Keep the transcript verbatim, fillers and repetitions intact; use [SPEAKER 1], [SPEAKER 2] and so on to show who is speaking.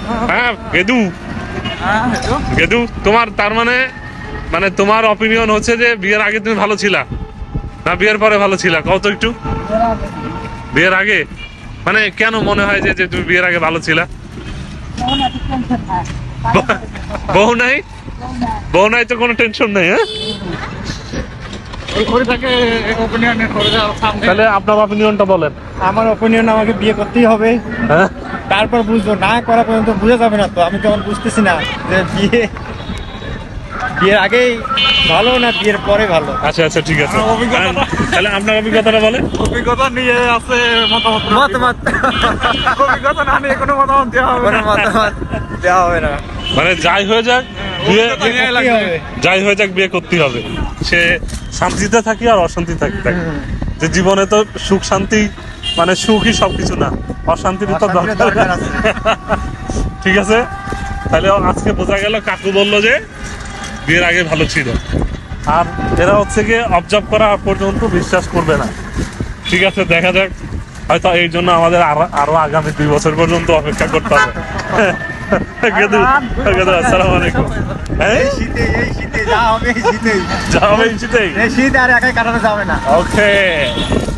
[SPEAKER 1] হ্যাঁ গেদু গেদু তোমার তার মানে মানে তোমার অপিনিয়ন হচ্ছে যে বিয়ের আগে তুমি ভালো ছিলা না বিয়ের পরে ভালো ছিলা কত একটু বিয়ের আগে মানে কেন মনে হয় যে যে তুমি বিয়ের আগে ভালো ছিলা বউ নাই বউ নাই তো কোনো টেনশন নাই হ্যাঁ তাহলে আপনার অপিনিয়নটা বলেন
[SPEAKER 2] আমার অপিনিয়ন আমাকে বিয়ে করতেই হবে
[SPEAKER 1] হ্যাঁ
[SPEAKER 2] তারপর বুঝবো না করা পর্যন্ত বুঝে যাবে না তো আমি কেমন বুঝতেছি না যে বিয়ে বিয়ের আগেই ভালো না বিয়ের পরে ভালো
[SPEAKER 1] আচ্ছা আচ্ছা ঠিক আছে তাহলে আপনার অভিজ্ঞতাটা বলেন
[SPEAKER 3] অভিজ্ঞতা নিয়ে আছে মতামত
[SPEAKER 2] মতামত
[SPEAKER 3] অভিজ্ঞতা না নিয়ে কোনো মতামত দেওয়া হবে
[SPEAKER 2] কোনো
[SPEAKER 3] না
[SPEAKER 2] মতামত দেওয়া হবে না
[SPEAKER 1] মানে যাই হয়ে যাক বিয়ে
[SPEAKER 3] অভিজ্ঞতা নিয়ে
[SPEAKER 2] করতেই
[SPEAKER 3] লাগবে।
[SPEAKER 2] হবে।
[SPEAKER 1] যাই হয়ে যাক বিয়ে করতেই হবে সে শান্তিতে থাকি আর অশান্তি থাকি থাকি যে জীবনে তো সুখ শান্তি মানে সুখই সবকিছু না অশান্তির তো
[SPEAKER 2] অশান্তির
[SPEAKER 1] দরকার
[SPEAKER 2] দরকার আছে।
[SPEAKER 1] ঠিক আছে তাহলে আজকে বোঝা গেল কাকু বললো যে বিয়ের আগে ভালো ছিল আর এরা হচ্ছে গিয়ে অবজার্ভ করা পর্যন্ত বিশ্বাস করবে না ঠিক আছে দেখা যাক হয়তো এই জন্য আমাদের আরো আরো আগামী দুই বছর পর্যন্ত অপেক্ষা করতে হবে গেদু গেদু আসসালামু আলাইকুম হ্যাঁ
[SPEAKER 2] এই শীতে এই শীতে যা হবে এই শীতেই
[SPEAKER 1] যাবে এই শীতেই
[SPEAKER 2] এই শীত আর একাই কাটানো যাবে না
[SPEAKER 1] ওকে